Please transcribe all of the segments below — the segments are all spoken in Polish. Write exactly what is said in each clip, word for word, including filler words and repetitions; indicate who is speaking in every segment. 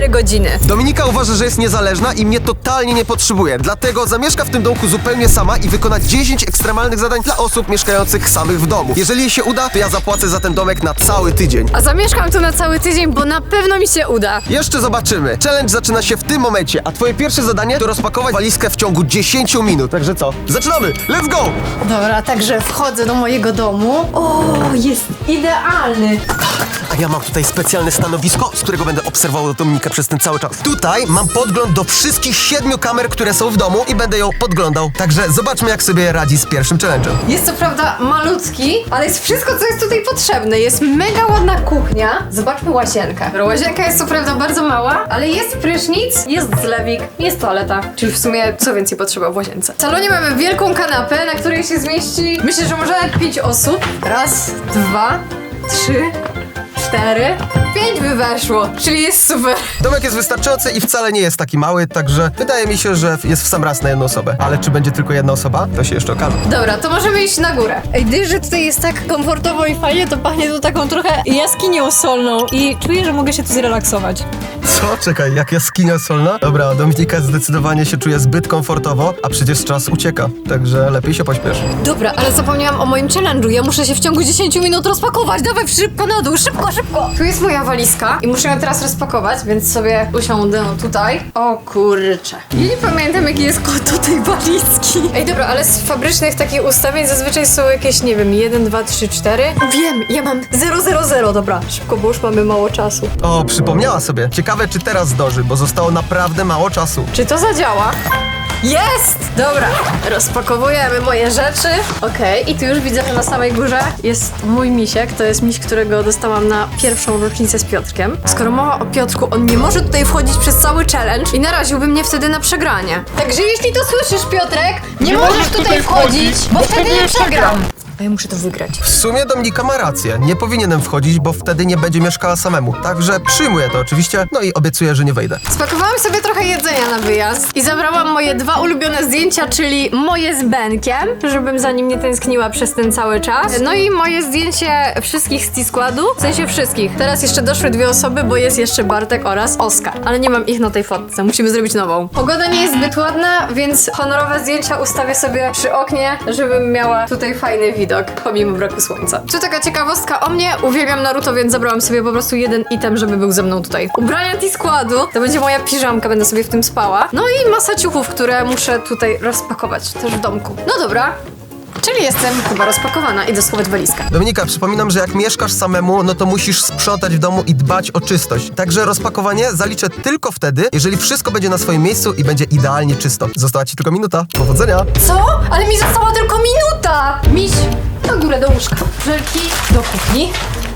Speaker 1: cztery godziny.
Speaker 2: Dominika uważa, że jest niezależna i mnie totalnie nie potrzebuje. Dlatego zamieszka w tym domku zupełnie sama i wykona dziesięć ekstremalnych zadań dla osób mieszkających samych w domu. Jeżeli jej się uda, to ja zapłacę za ten domek na cały tydzień.
Speaker 1: A zamieszkam tu na cały tydzień, bo na pewno mi się uda.
Speaker 2: Jeszcze zobaczymy. Challenge zaczyna się w tym momencie, a twoje pierwsze zadanie to rozpakować walizkę w ciągu dziesięciu minut. Także co? Zaczynamy! Let's go!
Speaker 1: Dobra, także wchodzę do mojego domu. O, jest idealny.
Speaker 2: A ja mam tutaj specjalne stanowisko, z którego będę obserwował Dominikę przez ten cały czas. Tutaj mam podgląd do wszystkich siedmiu kamer, które są w domu i będę ją podglądał. Także zobaczmy, jak sobie radzi z pierwszym challenge'em.
Speaker 1: Jest co prawda malutki, ale jest wszystko, co jest tutaj potrzebne. Jest mega ładna kuchnia. Zobaczmy łazienkę. Łazienka jest co prawda bardzo mała, ale jest prysznic, jest zlewik, jest toaleta. Czyli w sumie co więcej potrzeba w łazience. W salonie mamy wielką kanapę, na której się zmieści, myślę, że może nawet pięć osób. Raz, dwa, trzy, cztery, pięć by weszło, czyli jest super.
Speaker 2: Domek jest wystarczający i wcale nie jest taki mały, także wydaje mi się, że jest w sam raz na jedną osobę. Ale czy będzie tylko jedna osoba? To się jeszcze okaże.
Speaker 1: Dobra, to możemy iść na górę. Ej, gdyż, że tutaj jest tak komfortowo i fajnie, to pachnie tu taką trochę jaskinią solną i czuję, że mogę się tu zrelaksować.
Speaker 2: Co? Czekaj, jak jaskinia solna? Dobra, Dominika zdecydowanie się czuje zbyt komfortowo, a przecież czas ucieka, także lepiej się pośpiesz.
Speaker 1: Dobra, ale zapomniałam o moim challenge'u. Ja muszę się w ciągu dziesięciu minut rozpakować. Dawaj szybko na dół, szybko, szybko. Tu jest moja walizka i muszę ją teraz rozpakować, więc sobie usiądę tutaj. O kurczę. Ja nie pamiętam, jaki jest kod do tej walizki. Ej, dobra, ale z fabrycznych takich ustawień zazwyczaj są jakieś, nie wiem, jeden, dwa, trzy, cztery. Wiem, ja mam zero, zero, zero. Dobra, szybko, bo już mamy mało czasu.
Speaker 2: O, przypomniała sobie. Ciekawe, czy teraz zdąży, bo zostało naprawdę mało czasu.
Speaker 1: Czy to zadziała? Jest! Dobra, rozpakowujemy moje rzeczy. Okej, okay. I tu już widzę, że na samej górze jest mój misiek. To jest miś, którego dostałam na pierwszą rocznicę z Piotrkiem. Skoro mowa o Piotrku, on nie może tutaj wchodzić przez cały challenge i naraziłby mnie wtedy na przegranie. Także jeśli to słyszysz, Piotrek, nie, nie możesz tutaj, tutaj wchodzić, bo wtedy nie przegram. A ja muszę to wygrać.
Speaker 2: W sumie Dominika ma rację. Nie powinienem wchodzić, bo wtedy nie będzie mieszkała samemu. Także przyjmuję to oczywiście, no i obiecuję, że nie wejdę.
Speaker 1: Spakowałam sobie trochę jedzenia na wyjazd i zabrałam moje dwa ulubione zdjęcia, czyli moje z Benkiem, żebym za nim nie tęskniła przez ten cały czas. No i moje zdjęcie wszystkich z T-Składu, w sensie wszystkich. Teraz jeszcze doszły dwie osoby, bo jest jeszcze Bartek oraz Oskar. Ale nie mam ich na tej fotce, musimy zrobić nową. Pogoda nie jest zbyt ładna, więc honorowe zdjęcia ustawię sobie przy oknie, żebym miała tutaj fajny widok. Pomimo braku słońca. Tu taka ciekawostka o mnie. Uwielbiam Naruto, więc zabrałam sobie po prostu jeden item, żeby był ze mną tutaj. Ubrania T-Składu. To będzie moja piżamka, będę sobie w tym spała. No i masa ciuchów, które muszę tutaj rozpakować też w domku. No dobra. Czyli jestem chyba rozpakowana. Idę schować walizkę.
Speaker 2: Dominika, przypominam, że jak mieszkasz samemu, no to musisz sprzątać w domu i dbać o czystość. Także rozpakowanie zaliczę tylko wtedy, jeżeli wszystko będzie na swoim miejscu i będzie idealnie czysto. Została ci tylko minuta. Powodzenia!
Speaker 1: Co? Ale mi została tylko minuta! Miś, na górę do łóżka. Żelki do kuchni.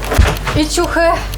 Speaker 1: I ciuchy.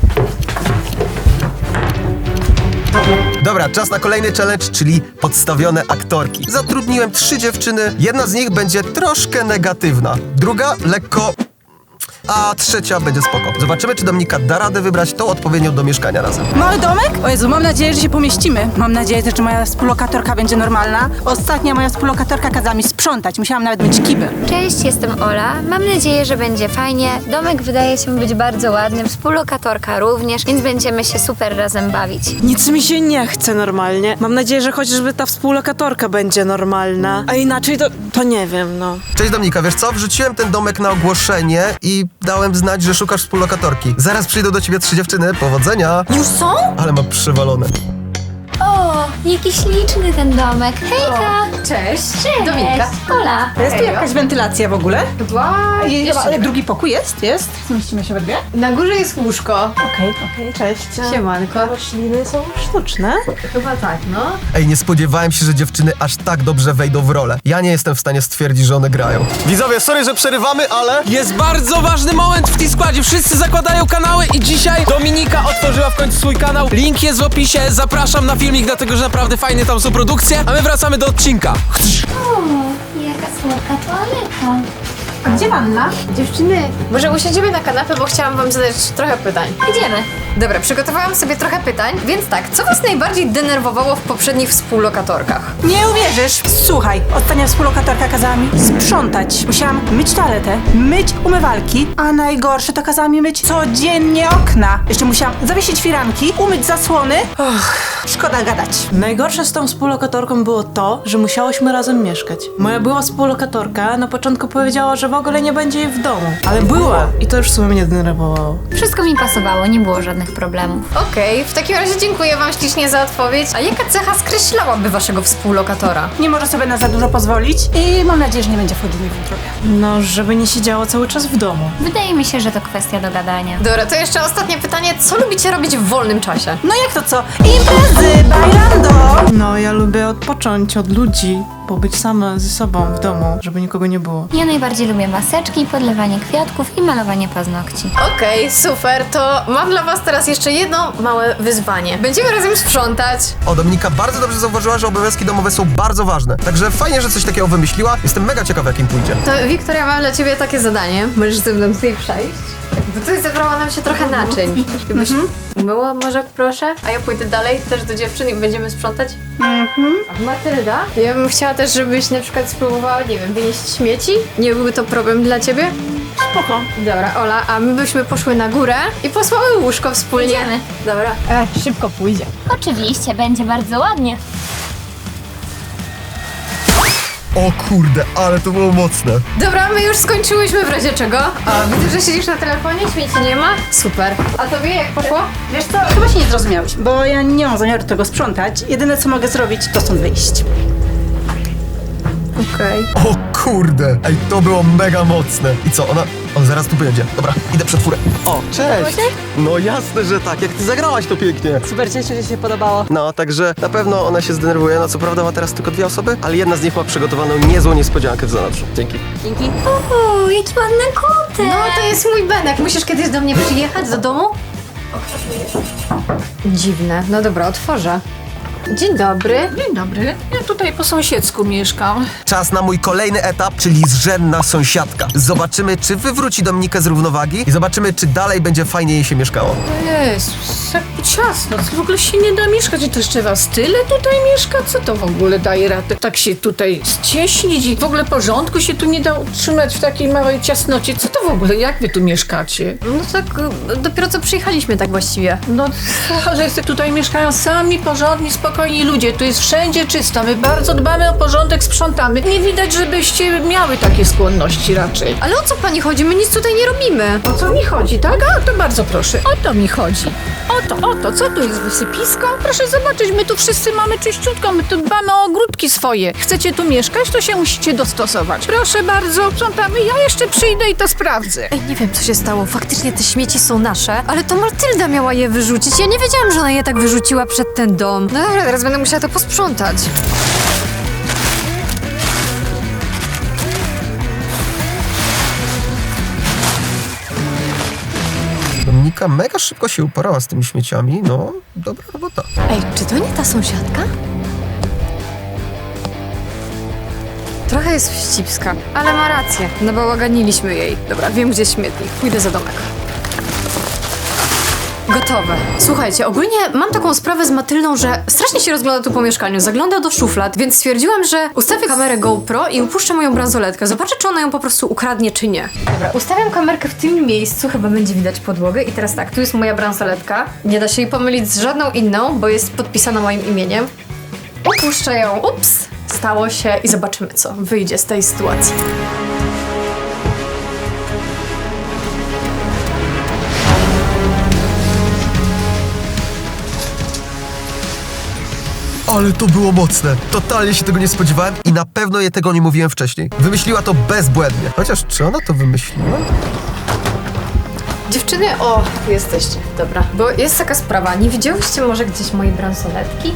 Speaker 2: Dobra, czas na kolejny challenge, czyli podstawione aktorki. Zatrudniłem trzy dziewczyny, jedna z nich będzie troszkę negatywna, druga lekko... a trzecia będzie spoko. Zobaczymy, czy Dominika da radę wybrać tą odpowiednią do mieszkania razem.
Speaker 3: Mały domek? O Jezu, mam nadzieję, że się pomieścimy. Mam nadzieję też, że moja współlokatorka będzie normalna. Ostatnia moja współlokatorka kazała mi sprzątać. Musiałam nawet myć kibel.
Speaker 4: Cześć, jestem Ola. Mam nadzieję, że będzie fajnie. Domek wydaje się być bardzo ładny, współlokatorka również, więc będziemy się super razem bawić.
Speaker 5: Nic mi się nie chce normalnie. Mam nadzieję, że chociażby ta współlokatorka będzie normalna. A inaczej to, to nie wiem, no.
Speaker 2: Cześć Dominika, wiesz co? Wrzuciłem ten domek na ogłoszenie i dałem znać, że szukasz współlokatorki. Zaraz przyjdą do ciebie trzy dziewczyny. Powodzenia!
Speaker 1: Już są?
Speaker 2: Ale mam przewalone.
Speaker 4: O, jaki śliczny ten domek. Hejka!
Speaker 1: Cześć.
Speaker 4: Cześć!
Speaker 1: Dominika.
Speaker 4: Ola!
Speaker 3: Jest tu jakaś wentylacja w ogóle?
Speaker 1: Chyba
Speaker 3: I,
Speaker 1: jeszcze
Speaker 3: ale
Speaker 1: nie.
Speaker 3: drugi pokój jest? Jest? Zmieścimy się we dwie?
Speaker 1: Na górze jest łóżko.
Speaker 3: Okej, okej, cześć.
Speaker 1: Siemanko.
Speaker 5: Rośliny są sztuczne.
Speaker 1: Chyba tak, no.
Speaker 2: Ej, nie spodziewałem się, że dziewczyny aż tak dobrze wejdą w rolę. Ja nie jestem w stanie stwierdzić, że one grają. Widzowie, sorry, że przerywamy, ale...
Speaker 6: Jest bardzo ważny moment w T-Składzie. Wszyscy zakładają kanały i dzisiaj Dominika otworzyła w końcu swój kanał. Link jest w opisie. Zapraszam na filmik, dlatego że naprawdę fajne tam są produkcje. A my wracamy do odcinka.
Speaker 4: O, jaka słodka toaleta.
Speaker 3: A gdzie wanna?
Speaker 1: Dziewczyny, może usiądziemy na kanapę, bo chciałam wam zadać trochę pytań.
Speaker 4: Idziemy.
Speaker 1: Dobra, przygotowałam sobie trochę pytań, więc tak, co was najbardziej denerwowało w poprzednich współlokatorkach?
Speaker 3: Nie uwierzysz! Słuchaj, ostatnia współlokatorka kazała mi sprzątać. Musiałam myć toaletę, myć umywalki, a najgorsze to kazała mi myć codziennie okna. Jeszcze musiałam zawiesić firanki, umyć zasłony. Och, szkoda gadać.
Speaker 5: Najgorsze z tą współlokatorką było to, że musiałyśmy razem mieszkać. Moja była współlokatorka na początku powiedziała, że w ogóle nie będzie jej w domu. Ale była i to już w sumie mnie denerwowało.
Speaker 4: Wszystko mi pasowało, nie było żadnych problemów.
Speaker 1: Okej, w takim razie dziękuję wam ślicznie za odpowiedź. A jaka cecha skreślałaby waszego współlokatora?
Speaker 3: Nie może sobie na za dużo pozwolić i mam nadzieję, że nie będzie wchodził mi w wątrobie.
Speaker 5: No, żeby nie siedziało cały czas w domu.
Speaker 4: Wydaje mi się, że to kwestia dogadania.
Speaker 1: Dobra, to jeszcze ostatnie pytanie. Co lubicie robić w wolnym czasie?
Speaker 3: No jak to co? Imprezy, bailando!
Speaker 5: No, ja lubię odpocząć od ludzi, pobyć sama ze sobą w domu, żeby nikogo nie było.
Speaker 4: Ja najbardziej lubię maseczki, podlewanie kwiatków i malowanie paznokci.
Speaker 1: Okej, super, to mam dla was teraz jeszcze jedno małe wyzwanie. Będziemy razem sprzątać.
Speaker 2: O, Dominika bardzo dobrze zauważyła, że obowiązki domowe są bardzo ważne. Także fajnie, że coś takiego wymyśliła. Jestem mega ciekaw, jak im pójdzie.
Speaker 1: To Wiktoria, mam dla ciebie takie zadanie. Możesz ze mną tutaj przejść. Bo tutaj zebrało nam się trochę naczyń. Gdybyś umyła może, proszę? A ja pójdę dalej też do dziewczyn i będziemy sprzątać? Mhm. Matylda? Ja bym chciała też, żebyś na przykład spróbowała, nie wiem, wynieść śmieci. Nie byłby to problem dla ciebie?
Speaker 3: Spoko.
Speaker 1: Dobra, Ola, a my byśmy poszły na górę i posłały łóżko wspólnie.
Speaker 4: Idziemy.
Speaker 1: Dobra.
Speaker 3: E, szybko pójdzie.
Speaker 4: Oczywiście, będzie bardzo ładnie.
Speaker 2: O kurde, ale to było mocne.
Speaker 1: Dobra, my już skończyłyśmy w razie czego. O, widzę, że siedzisz na telefonie, śmieci nie ma. Super. A tobie jak poszło?
Speaker 3: Wiesz co, chyba się nie zrozumiałeś, bo ja nie mam zamiaru tego sprzątać. Jedyne co mogę zrobić, to stąd wyjść.
Speaker 1: Okej.
Speaker 2: O kurde, ej, to było mega mocne. I co, ona... On zaraz tu będzie. Dobra, idę przed furę. O, cześć! No jasne, że tak, jak ty zagrałaś to pięknie.
Speaker 3: Super, cieszę, że się podobało.
Speaker 2: No, także na pewno ona się zdenerwuje. No, co prawda ma teraz tylko dwie osoby, ale jedna z nich ma przygotowaną niezłą niespodziankę w zanadrzu. Dzięki.
Speaker 3: Dzięki.
Speaker 4: Uuu, jaki ładny kotek!
Speaker 1: No, to jest mój Benek. Musisz kiedyś do mnie przyjechać do domu? Dziwne. No dobra, otworzę. Dzień dobry.
Speaker 7: Dzień dobry. Ja tutaj po sąsiedzku mieszkam.
Speaker 2: Czas na mój kolejny etap, czyli zrzędna sąsiadka. Zobaczymy, czy wywróci Dominikę z równowagi i zobaczymy, czy dalej będzie fajnie jej się mieszkało.
Speaker 7: Jezus, jak ciasno. W ogóle się nie da mieszkać. I to jeszcze was tyle tutaj mieszka? Co to w ogóle daje radę? Tak się tutaj ścieśnić i w ogóle porządku się tu nie da utrzymać w takiej małej ciasnocie. Co to w ogóle? Jak wy tu mieszkacie?
Speaker 1: No tak, y, dopiero co przyjechaliśmy tak właściwie.
Speaker 7: No, że tutaj mieszkają sami, porządni, spokojni ludzie. Tu jest wszędzie czysto. My bardzo dbamy o porządek, sprzątamy. Nie widać, żebyście miały takie skłonności raczej.
Speaker 1: Ale o co pani chodzi? My nic tutaj nie robimy.
Speaker 7: O co mi chodzi, tak? A, to bardzo proszę. O to mi chodzi. O to, o to. Co tu jest, wysypisko? Proszę zobaczyć, my tu wszyscy mamy czyściutko, my tu dbamy o ogródki swoje. Chcecie tu mieszkać, to się musicie dostosować. Proszę bardzo, sprzątamy. Ja jeszcze przyjdę i to sprawdzę.
Speaker 1: Ej, nie wiem co się stało. Faktycznie te śmieci są nasze, ale to Matylda miała je wyrzucić. Ja nie wiedziałam, że ona je tak wyrzuciła przed ten dom. No dobra, teraz będę musiała to posprzątać.
Speaker 2: Dominika mega szybko się uporała z tymi śmieciami. No, dobra robota.
Speaker 1: Ej, czy to nie ta sąsiadka? Trochę jest wścibska, ale ma rację. Nabałaganiliśmy jej. Dobra, wiem gdzie jest śmietnik. Pójdę za domek. Gotowe. Słuchajcie, ogólnie mam taką sprawę z Matyldą, że strasznie się rozgląda tu po mieszkaniu. Zagląda do szuflad, więc stwierdziłam, że ustawię kamerę GoPro i upuszczę moją bransoletkę. Zobaczę, czy ona ją po prostu ukradnie, czy nie. Dobra, ustawiam kamerkę w tym miejscu, chyba będzie widać podłogę. I teraz tak, tu jest moja bransoletka. Nie da się jej pomylić z żadną inną, bo jest podpisana moim imieniem. Upuszczę ją. Ups! Stało się i zobaczymy, co wyjdzie z tej sytuacji.
Speaker 2: Ale to było mocne. Totalnie się tego nie spodziewałem i na pewno je tego nie mówiłem wcześniej. Wymyśliła to bezbłędnie. Chociaż czy ona to wymyśliła?
Speaker 1: Dziewczyny, o, tu jesteście. Dobra, bo jest taka sprawa. Nie widziałyście może gdzieś mojej bransoletki?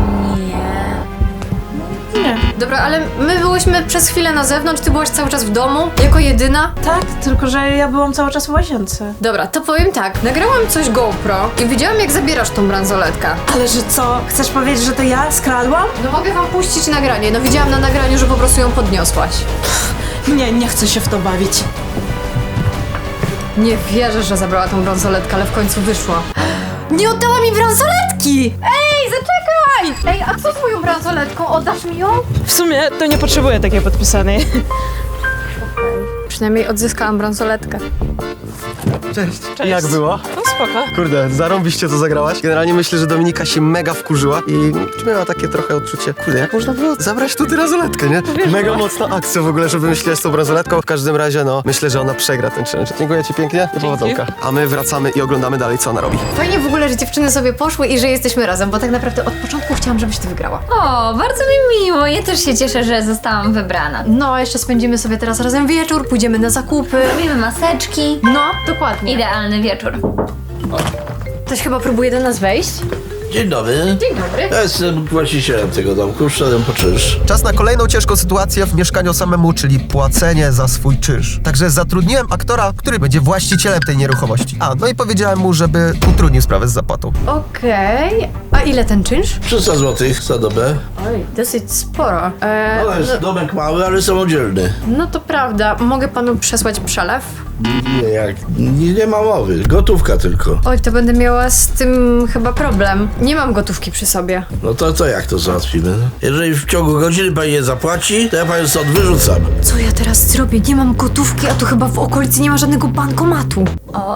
Speaker 5: Nie.
Speaker 1: Dobra, ale my byłyśmy przez chwilę na zewnątrz, ty byłaś cały czas w domu, jako jedyna.
Speaker 5: Tak, tylko że ja byłam cały czas w łazience.
Speaker 1: Dobra, to powiem tak. Nagrałam coś GoPro i widziałam, jak zabierasz tą bransoletkę.
Speaker 5: Ale że co? Chcesz powiedzieć, że to ja skradłam?
Speaker 1: No mogę wam puścić nagranie. No widziałam na nagraniu, że po prostu ją podniosłaś.
Speaker 5: Nie, nie chcę się w to bawić.
Speaker 1: Nie wierzę, że zabrała tą bransoletkę, ale w końcu wyszło. Nie oddała mi bransoletki! Ej, zaczekaj! Ej, a co z moją bransoletką? Oddasz mi ją?
Speaker 5: W sumie to nie potrzebuję takiej podpisanej.
Speaker 1: Przynajmniej odzyskałam bransoletkę.
Speaker 2: Cześć.
Speaker 5: Cześć.
Speaker 2: Jak było?
Speaker 5: No spoko.
Speaker 2: Kurde, zarąbiście to zagrałaś. Generalnie myślę, że Dominika się mega wkurzyła i miała takie trochę odczucie, kurde, jak można było zabrać tu tę bransoletkę, nie? Mega mocna akcja w ogóle, żeby myśleć z tą bransoletką. W każdym razie, no, myślę, że ona przegra ten challenge. Dziękuję ci pięknie i powodzonka. A my wracamy i oglądamy dalej, co ona robi.
Speaker 1: Fajnie w ogóle, że dziewczyny sobie poszły i że jesteśmy razem, bo tak naprawdę od początku chciałam, żebyś ty wygrała.
Speaker 4: O, bardzo mi miło. Ja też się cieszę, że zostałam wybrana.
Speaker 1: No, a jeszcze spędzimy sobie teraz razem wieczór, pójdziemy na zakupy.
Speaker 4: Robimy maseczki.
Speaker 1: No, dokładnie.
Speaker 4: Idealny wieczór.
Speaker 1: Ktoś chyba próbuje do nas wejść.
Speaker 8: Dzień dobry.
Speaker 1: Dzień dobry.
Speaker 8: Ja jestem właścicielem tego domku, wszedłem po czynsz.
Speaker 2: Czas na kolejną ciężką sytuację w mieszkaniu samemu, czyli płacenie za swój czynsz. Także zatrudniłem aktora, który będzie właścicielem tej nieruchomości. A, no i powiedziałem mu, żeby utrudnił sprawę z zapłatą.
Speaker 1: Okej. A ile ten czynsz?
Speaker 8: trzysta złotych za dobę.
Speaker 1: Oj, dosyć sporo. E,
Speaker 8: No jest domek mały, ale samodzielny.
Speaker 1: no to prawda. Mogę panu przesłać przelew?
Speaker 8: Nie, jak, nie, nie ma mowy, gotówka tylko.
Speaker 1: Oj, to będę miała z tym chyba problem. Nie mam gotówki przy sobie.
Speaker 8: No to, to jak to załatwimy? Jeżeli w ciągu godziny pani nie zapłaci, to ja panią stąd wyrzucam.
Speaker 1: Co ja teraz zrobię? Nie mam gotówki, a tu chyba w okolicy nie ma żadnego bankomatu.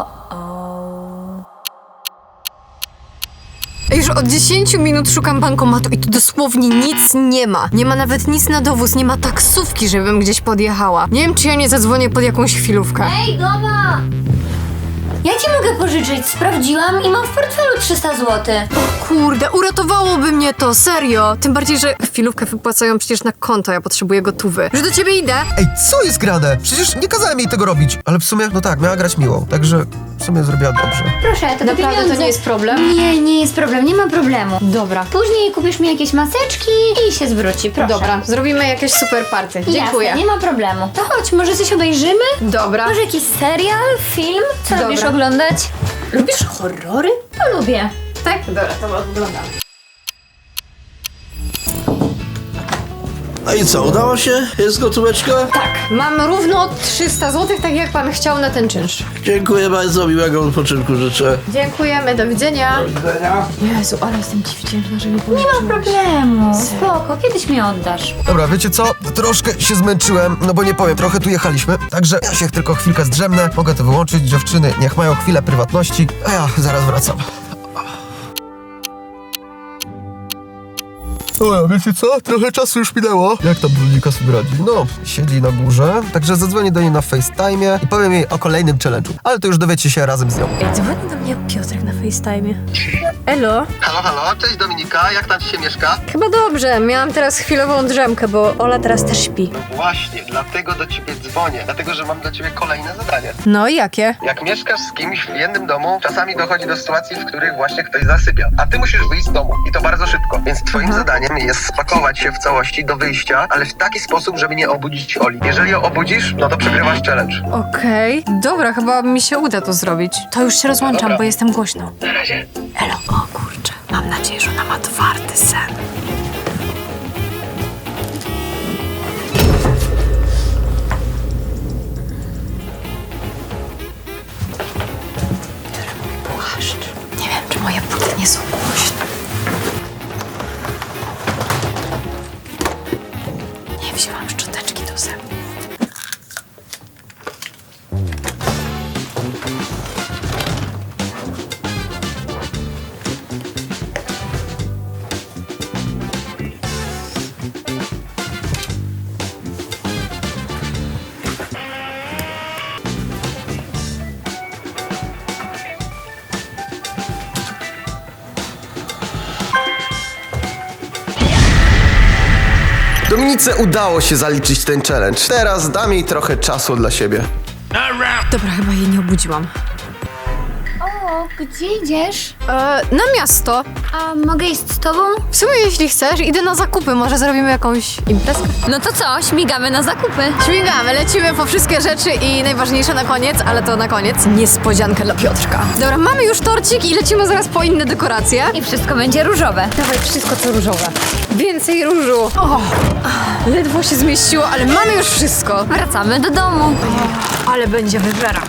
Speaker 1: Już od dziesięciu minut szukam bankomatu i tu dosłownie nic nie ma. Nie ma nawet nic na dowóz, nie ma taksówki, żebym gdzieś podjechała. Nie wiem, czy ja nie zadzwonię pod jakąś chwilówkę.
Speaker 4: Ej, Goma! Ja ci mogę pożyczyć. Sprawdziłam i mam w portfelu trzysta złotych.
Speaker 1: Kurde, uratowałoby mnie to, serio. Tym bardziej, że chwilówkę wypłacają przecież na konto, ja potrzebuję gotówy. Już do ciebie idę.
Speaker 2: Ej, co jest grane? Przecież nie kazałem jej tego robić. Ale w sumie, no tak, miała grać miłą. Także w sumie zrobiła dobrze.
Speaker 4: Proszę, to
Speaker 1: Naprawdę
Speaker 4: pieniądze.
Speaker 1: to nie jest problem?
Speaker 4: Nie, nie jest problem, nie ma problemu.
Speaker 1: Dobra.
Speaker 4: Później kupisz mi jakieś maseczki i się zwróci, proszę.
Speaker 1: Dobra, zrobimy jakieś super party. Dziękuję.
Speaker 4: Jasne, nie ma problemu. To chodź, może coś obejrzymy?
Speaker 1: Dobra.
Speaker 4: Może jakiś serial, film? Co
Speaker 1: Dobra.
Speaker 4: lubisz oglądać?
Speaker 1: Lubisz horrory?
Speaker 4: To lubię.
Speaker 1: Tak? Dobra, to oglądam.
Speaker 8: No i co, udało się? Jest gotóweczka?
Speaker 1: Tak, mam równo trzysta złotych, tak jak pan chciał na ten czynsz.
Speaker 8: Dziękuję bardzo, miłego odpoczynku życzę.
Speaker 1: Dziękujemy, do widzenia.
Speaker 8: Do widzenia.
Speaker 1: Jezu, ale jestem ci wdzięczna, że mi
Speaker 4: Nie ma problemu. Spoko, kiedyś mi oddasz.
Speaker 2: Dobra, wiecie co? Troszkę się zmęczyłem, no bo nie powiem, trochę tu jechaliśmy. Także ja się tylko chwilkę zdrzemnę. Mogę to wyłączyć, dziewczyny niech mają chwilę prywatności, a ja zaraz wracam. O, wiecie co? Trochę czasu już minęło. Jak tam Dominika sobie radzi? No, siedzi na górze, także zadzwonię do niej na FaceTime i powiem jej o kolejnym challenge'u. Ale to już dowiecie się razem z nią.
Speaker 1: Ej, dzwoni do mnie Piotrek na FaceTime. Elo?
Speaker 2: Halo, halo, cześć Dominika, jak tam ci się mieszka?
Speaker 1: Chyba dobrze, miałam teraz chwilową drzemkę, bo Ola teraz też śpi.
Speaker 2: Właśnie, dlatego do ciebie dzwonię, dlatego że mam dla ciebie kolejne zadanie.
Speaker 1: No i jakie?
Speaker 2: Jak mieszkasz z kimś w jednym domu, czasami dochodzi do sytuacji, w których właśnie ktoś zasypia, a ty musisz wyjść z domu i to bardzo szybko. Więc twoim zadaniem jest spakować się w całości do wyjścia, ale w taki sposób, żeby nie obudzić Oli. Jeżeli ją obudzisz, no to przegrywasz challenge.
Speaker 1: Okej, dobra, chyba mi się uda to zrobić. To już się rozłączam,
Speaker 2: Dobra.
Speaker 1: bo jestem głośno.
Speaker 2: Na razie.
Speaker 1: Elo, o kurczę, mam nadzieję, że ona ma twardy sen. Płaszcz. Nie wiem, czy moje buty nie są głośne. Nie wzięłam szczoteczki do zębów.
Speaker 2: Dominice udało się zaliczyć ten challenge. Teraz dam jej trochę czasu dla siebie.
Speaker 1: Dobra, chyba jej nie obudziłam.
Speaker 4: O, gdzie idziesz?
Speaker 1: E, na miasto.
Speaker 4: A mogę iść z tobą?
Speaker 1: W sumie jeśli chcesz, idę na zakupy. Może zrobimy jakąś imprezkę?
Speaker 4: No to co, śmigamy na zakupy.
Speaker 1: Śmigamy, lecimy po wszystkie rzeczy i najważniejsze na koniec, ale to na koniec, niespodziankę dla Piotrka. Dobra, mamy już torcik i lecimy zaraz po inne dekoracje.
Speaker 4: I wszystko będzie różowe.
Speaker 1: Dawaj wszystko co różowe. Więcej różu. O, ledwo się zmieściło, ale mamy już wszystko.
Speaker 4: Wracamy do domu.
Speaker 1: Ale będzie wyżera.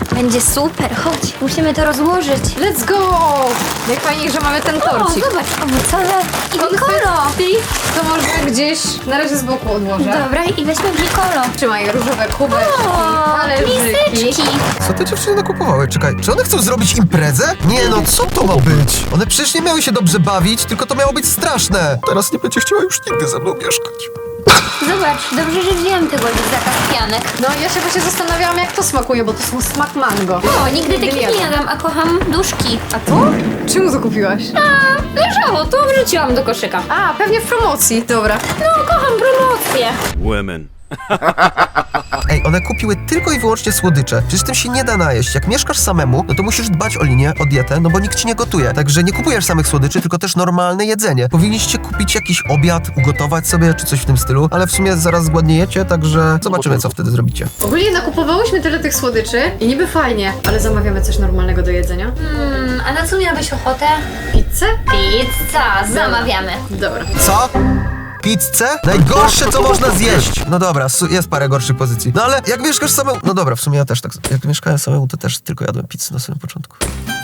Speaker 4: Będzie super, chodź, musimy to rozłożyć.
Speaker 1: Let's go! Najfajniej, że mamy ten
Speaker 4: O,
Speaker 1: torcik.
Speaker 4: zobacz, owocowe i pikolo.
Speaker 1: To może gdzieś na razie z boku odłożę.
Speaker 4: Dobra, i weźmy pikolo.
Speaker 1: Trzymaj różowe kubeczki,
Speaker 4: O,
Speaker 1: talerzyki.
Speaker 4: miseczki.
Speaker 2: Co te dziewczyny nakupowały? Czekaj, czy one chcą zrobić imprezę? Nie no, co to ma być? One przecież nie miały się dobrze bawić, tylko to miało być straszne. Teraz nie będzie chciała już nigdy ze mną mieszkać.
Speaker 4: Zobacz, dobrze, że wziąłem tego lizaka w pianek.
Speaker 1: No ja się właśnie zastanawiałam, jak to smakuje, bo to są smak mango.
Speaker 4: O, nigdy takich nie jadłam, a kocham duszki.
Speaker 1: A to? Czemu to kupiłaś?
Speaker 4: A, leżało, to wrzuciłam do koszyka.
Speaker 1: A, pewnie w promocji. Dobra.
Speaker 4: No, kocham promocję.
Speaker 9: Women.
Speaker 2: Ej, one kupiły tylko i wyłącznie słodycze. Przecież tym się nie da najeść. Jak mieszkasz samemu, no to musisz dbać o linię, o dietę, no bo nikt ci nie gotuje. Także nie kupujesz samych słodyczy, tylko też normalne jedzenie. Powinniście kupić jakiś obiad, ugotować sobie, czy coś w tym stylu, ale w sumie zaraz zgładniejecie, także zobaczymy, co wtedy zrobicie.
Speaker 1: Ogólnie nakupowałyśmy tyle tych słodyczy i niby fajnie, ale zamawiamy coś normalnego do jedzenia.
Speaker 4: Hmm, a na co miałabyś ochotę?
Speaker 1: Pizzę?
Speaker 4: Pizza, zamawiamy.
Speaker 1: Dobra.
Speaker 2: Co? Pizzę? Najgorsze, co można zjeść. No dobra, su- jest parę gorszych pozycji. No ale jak mieszkasz samemu... No dobra, w sumie ja też tak... Jak mieszkałem samemu, to też tylko jadłem pizzę na samym początku.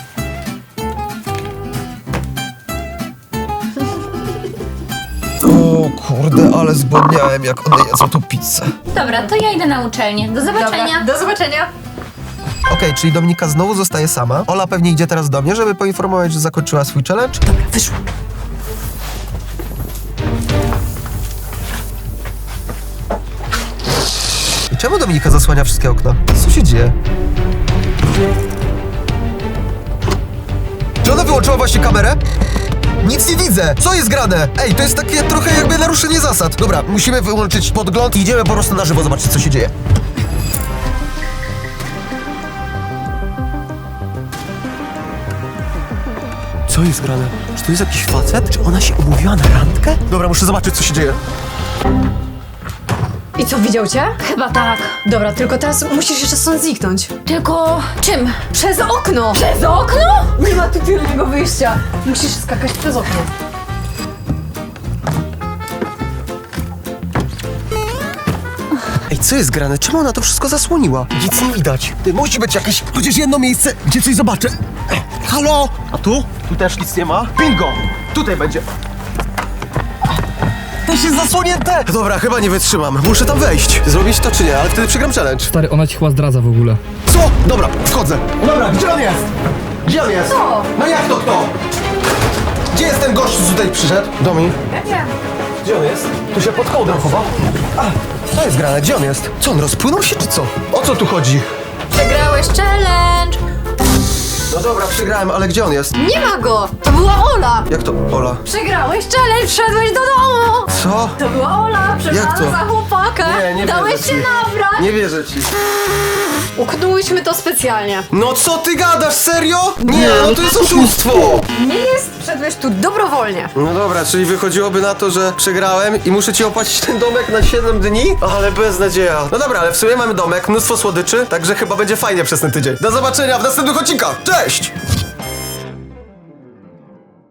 Speaker 2: O kurde, ale zbłodniałem, jak one jedzą tą pizzę.
Speaker 4: Dobra, to ja idę na uczelnię. Do zobaczenia.
Speaker 1: Do zobaczenia.
Speaker 2: Okej, czyli Dominika znowu zostaje sama. Ola pewnie idzie teraz do mnie, żeby poinformować, że zakończyła swój challenge. Dobra, wyszło. I czemu Dominika zasłania wszystkie okna? Co się dzieje? Czy ona wyłączyła właśnie kamerę? Nic nie widzę! Co jest grane? Ej, to jest takie trochę jakby naruszenie zasad. Dobra, musimy wyłączyć podgląd i idziemy po prostu na żywo zobaczyć, co się dzieje. Co jest grane? Czy to jest jakiś facet? Czy ona się umówiła na randkę? Dobra, muszę zobaczyć, co się dzieje.
Speaker 1: I co, widział cię?
Speaker 4: Chyba tak.
Speaker 1: Dobra, tylko teraz musisz jeszcze stąd zniknąć.
Speaker 4: Tylko czym?
Speaker 1: Przez okno!
Speaker 4: Przez okno?
Speaker 1: Nie ma tu tylnego wyjścia. Musisz skakać przez okno.
Speaker 2: Ej, co jest grane? Czemu ona to wszystko zasłoniła? Nic nie widać. Ty, musi być jakieś, chociaż jedno miejsce, gdzie coś zobaczę. Ej, halo? A tu? Tu też nic nie ma. Bingo! Tutaj będzie. Też jest zasłonięte! Dobra, chyba nie wytrzymam. Muszę tam wejść. Zrobić to czy nie, ale wtedy przegram challenge.
Speaker 10: Stary, ona ci chyba zdradza w ogóle.
Speaker 2: Co? Dobra, wchodzę. Dobra, gdzie on jest? Gdzie on jest?
Speaker 1: Co?
Speaker 2: No jak to kto? Gdzie jest ten gość, co tutaj przyszedł? Domi?
Speaker 1: Ja wiem.
Speaker 2: Gdzie on jest? Tu się pod kołdrą chowa. A, co jest grane? Gdzie on jest? Co, on rozpłynął się, czy co? O co tu chodzi?
Speaker 1: Przegrałeś challenge!
Speaker 2: No dobra, przegrałem, ale gdzie on jest?
Speaker 1: Nie ma go! To była Ola!
Speaker 2: Jak to, Ola?
Speaker 1: Przegrałeś challenge, wszedłeś do domu!
Speaker 2: Co?
Speaker 1: To była Ola, przebrana
Speaker 2: Jak to?
Speaker 1: za chłopaka!
Speaker 2: Nie, nie
Speaker 1: Dałeś
Speaker 2: wierzę
Speaker 1: się
Speaker 2: ci.
Speaker 1: nabrać!
Speaker 2: Nie wierzę ci.
Speaker 1: Uknęłyśmy to specjalnie.
Speaker 2: No co ty gadasz, serio? Nie, no to jest oszustwo!
Speaker 1: Nie jest, wszedłeś tu dobrowolnie.
Speaker 2: No dobra, czyli wychodziłoby na to, że przegrałem i muszę ci opłacić ten domek na siedem dni? Ale beznadzieja. No dobra, ale w sumie mamy domek, mnóstwo słodyczy, także chyba będzie fajnie przez ten tydzień. Do zobaczenia w następnych odcinkach. Cześć!